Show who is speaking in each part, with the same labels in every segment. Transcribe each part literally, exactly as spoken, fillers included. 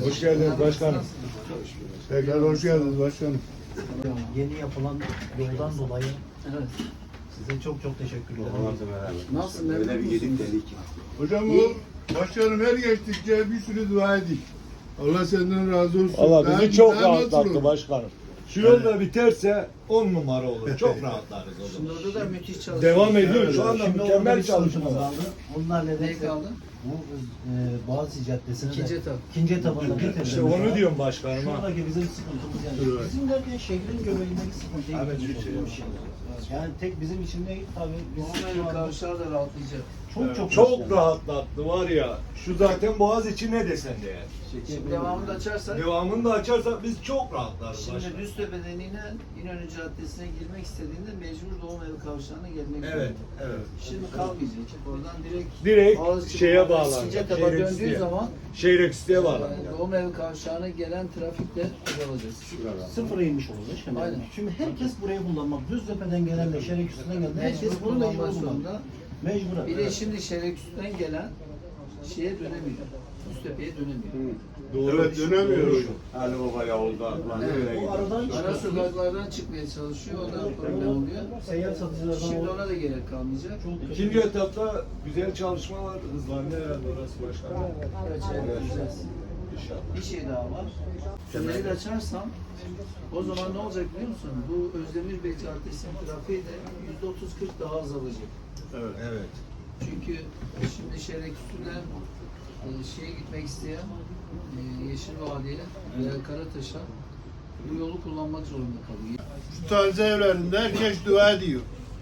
Speaker 1: Hoş geldiniz başkanım.
Speaker 2: Tekrar hoş geldiniz başkanım.
Speaker 3: Yeni yapılan yoldan dolayı
Speaker 4: Evet.
Speaker 3: size çok çok teşekkür ederim.
Speaker 4: Nasıl
Speaker 5: Öyle
Speaker 4: memnun
Speaker 5: bir yedik
Speaker 4: musunuz?
Speaker 5: dedik.
Speaker 2: Hocam bu başkanım her geçtikçe bir sürü dua edik. Allah senden razı olsun.
Speaker 1: Valla
Speaker 2: Daha-
Speaker 1: bizi çok
Speaker 2: daha nasıl
Speaker 1: rahatlattı
Speaker 2: olur?
Speaker 1: başkanım. Şu yol da biterse on numara olur. Çok rahatlarız o
Speaker 4: Şimdi
Speaker 1: zaman.
Speaker 4: orada da müthiş çalışıyor.
Speaker 1: Devam ediyor. Şu anda
Speaker 3: Şimdi orada
Speaker 1: mükemmel
Speaker 3: bir çalışma
Speaker 1: çalışmalar.
Speaker 3: kaldı. Onlar
Speaker 4: Ne
Speaker 3: nedense
Speaker 4: kaldı?
Speaker 3: bu e, Boğaziçi Caddesi'ne
Speaker 4: İkinci
Speaker 3: de
Speaker 4: etap.
Speaker 3: ikinci etabında bitirdi.
Speaker 1: İşte onu diyorum başkanım ha.
Speaker 3: Şuradaki bizim sıkıntımız yani.
Speaker 2: Evet.
Speaker 3: Bizim derken şehrin göbeğindeki sıkıntıyı
Speaker 1: Evet,
Speaker 3: çözmüş
Speaker 1: bir şey
Speaker 3: oluyoruz. Yani tek bizim için değil tabii. Biz
Speaker 4: Doğum
Speaker 3: şu
Speaker 4: evi
Speaker 3: anda
Speaker 4: kavşağı da rahatlayacak.
Speaker 3: çok çok
Speaker 1: Çok
Speaker 3: yani.
Speaker 1: rahatlattı var ya. Şu zaten Boğaziçi ne desen değer.
Speaker 4: Şimdi devamını da açarsak,
Speaker 1: Devamını da açarsak biz çok rahatlarız
Speaker 4: şimdi
Speaker 1: başkanım.
Speaker 4: Düztepe'den inen İnönü Caddesi'ne girmek istediğinde mecbur Doğum evi kavşağına gelmek
Speaker 1: Evet,
Speaker 4: zorunda.
Speaker 1: evet.
Speaker 4: Şimdi kalmayacak. Oradan direkt
Speaker 1: Direkt
Speaker 4: Boğaziçi
Speaker 1: şeye
Speaker 4: Bulvarı'nın
Speaker 1: bağlanacak,
Speaker 4: ikinci etaba
Speaker 1: şehir
Speaker 4: döndüğü
Speaker 1: üstüye.
Speaker 4: zaman
Speaker 1: Şehir Eksit'e
Speaker 4: e,
Speaker 1: bağlanacak.
Speaker 4: Doğum evi kavşağına gelen trafikle azalacağız.
Speaker 3: Sıfıra inmiş olacak şimdi.
Speaker 4: Aynen.
Speaker 3: Şimdi herkes burayı kullanmak. Düztepe'den gelenle Şerek üstünden gelen herkes
Speaker 4: Herkes
Speaker 3: bunu
Speaker 4: kullanmak
Speaker 3: mecbur kullanmak.
Speaker 4: zorunda.
Speaker 3: Mecburen.
Speaker 4: Bir de şimdi Şereküstü'den gelen şeye dönemiyor. Düztepe'ye dönemiyor.
Speaker 1: Doğru.
Speaker 2: Evet dönemiyoruz.
Speaker 5: Ali Baba Yavuz'da lan
Speaker 4: Evet.
Speaker 5: öyle
Speaker 3: O
Speaker 5: gidiyor.
Speaker 3: aradan
Speaker 4: Ara
Speaker 3: çıkıyor.
Speaker 4: sokaklardan çıkmaya çalışıyor, o da problem oluyor.
Speaker 3: Seyyar satıcılardan
Speaker 4: Şimdi
Speaker 3: o-
Speaker 4: ona da gerek kalmayacak.
Speaker 3: çok kötü.
Speaker 1: İkinci etapta güzel çalışmalar hızlandı herhalde orası başkanım.
Speaker 4: Evet, şey yapacağız.
Speaker 1: İnşallah.
Speaker 4: Bir şey daha var. Tüneli de açarsam o zaman ne olacak biliyor musun? Bu Özdemir Bey Caddesi'nin trafiği de yüzde otuz kırk daha azalacak.
Speaker 2: Evet.
Speaker 1: Evet.
Speaker 4: Çünkü şimdi Şereküstü'den e, şeye gitmek isteyen e, Yeşil Vadi'ye veya Karataş'a bu yolu kullanmak zorunda kalıyor.
Speaker 2: Şu taze evlerinde herkes dua ediyor.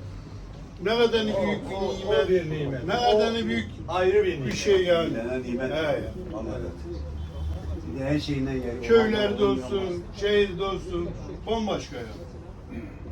Speaker 2: Ne kadar büyük bir
Speaker 1: O- o
Speaker 2: nimet.
Speaker 1: bir nimet.
Speaker 2: Ne kadar
Speaker 1: O
Speaker 2: büyük
Speaker 1: ayrı bir
Speaker 2: bir
Speaker 1: nimet.
Speaker 2: şey yani.
Speaker 5: Bilenen nimet.
Speaker 2: He.
Speaker 5: Vallahi. Bir de her şeyinden geliyor.
Speaker 2: Köylerde olsun, şehirde olsun, bambaşka ya.